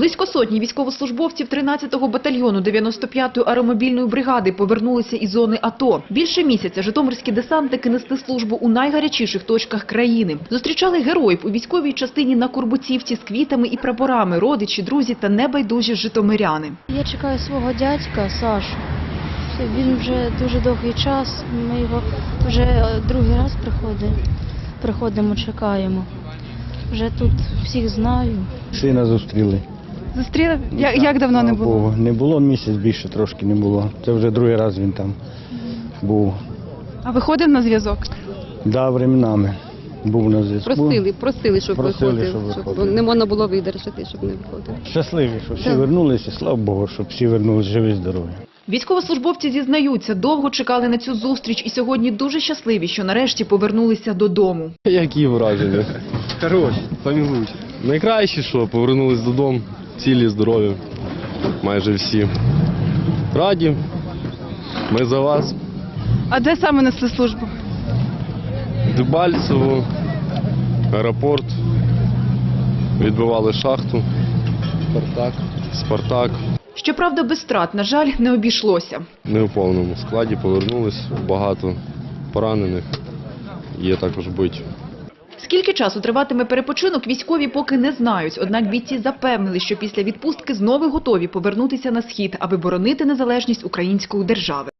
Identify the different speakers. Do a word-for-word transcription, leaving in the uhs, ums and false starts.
Speaker 1: Близько сотні військовослужбовців тринадцятого батальйону дев'яносто п'ятої аеромобільної бригади повернулися із зони АТО. Більше місяця житомирські десантники несли службу у найгарячіших точках країни. Зустрічали героїв у військовій частині на Курбуцівці з квітами і прапорами, родичі, друзі та небайдужі житомиряни.
Speaker 2: Я чекаю свого дядька Сашу. Він вже дуже довгий час, ми його вже другий раз приходимо, приходимо, чекаємо. Вже тут всіх знаю.
Speaker 3: Сина зустріли.
Speaker 4: Зустріли? Як, як давно не було?
Speaker 3: Богу. Не було місяць, більше трошки не було. Це вже другий раз він там був.
Speaker 4: А виходив на зв'язок?
Speaker 3: Да, временами був на зв'язку.
Speaker 5: Просили, просили, щоб
Speaker 3: Просили,
Speaker 5: виходив,
Speaker 3: щоб
Speaker 5: щоб
Speaker 3: виходив.
Speaker 5: не можна було видержати, щоб не виходив.
Speaker 3: Щасливі, що всі
Speaker 5: Так.
Speaker 3: вернулися, слава Богу, щоб всі вернулися живі, здорові.
Speaker 1: Військовослужбовці зізнаються, довго чекали на цю зустріч і сьогодні дуже щасливі, що нарешті повернулися додому.
Speaker 6: Які враження? Хороші. Самі лучші. Найкраще, що повернулись додому, цілі, здорові, майже всі. Раді, ми за вас.
Speaker 4: А де саме несли службу?
Speaker 6: Дебальцево, аеропорт, відбивали шахту, Спартак. Спартак.
Speaker 1: Щоправда, без втрат, на жаль, не обійшлося.
Speaker 6: Не у повному складі повернулись, багато поранених, є також биті.
Speaker 1: Скільки часу триватиме перепочинок, військові поки не знають. Однак бійці запевнили, що після відпустки знову готові повернутися на схід, аби боронити незалежність української держави.